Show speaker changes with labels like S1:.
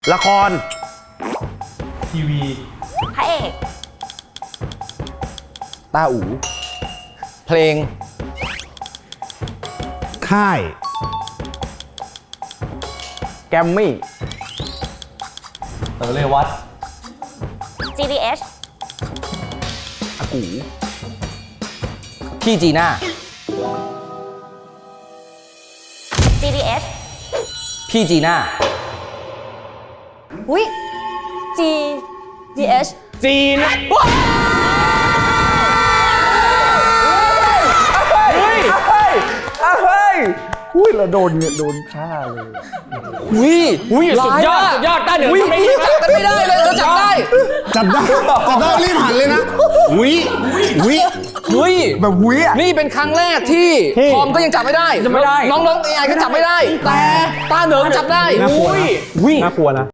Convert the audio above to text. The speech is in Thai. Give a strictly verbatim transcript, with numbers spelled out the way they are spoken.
S1: ละคร
S2: ทีวี
S3: พระเอก
S4: ตาอู่เพลง
S1: ค่าย แกมมี่
S2: เต๋อเรวัต
S3: จี ดี เอช
S1: อากู
S4: พี่จีน่า
S3: จี ดี เอช
S4: พี่จีน่า
S3: อุ้ย G ดี เอช
S1: จีน เฮ้ย เฮ้ย เฮ้ย อุ้ยเราโดนเนี่ยโดนฆ่าเลย
S4: วิ
S1: อุ้ยสุดยอด
S4: ร้าะ
S1: สุดยอดต้าเหนือ
S4: วิ
S1: ทำไม่
S4: พี่
S1: ได้
S4: จับกันไม่ได้เลยเราจับได้
S1: จับได้จับได้รีบหันเลยนะวิวิ
S4: เฮ้ย
S1: แบบวิอ่ะ
S4: นี่เป็นครั้งแรกที่
S1: ที่
S4: ทอมก็ยังจับไม่ได้
S1: จับไม่ได้
S4: น้องๆเอไอก็จับไม่ได้ แต่ตาเหนิงจับได้
S1: น่ากลัวนะ
S4: อุ้ย
S1: น่ากลัวนะ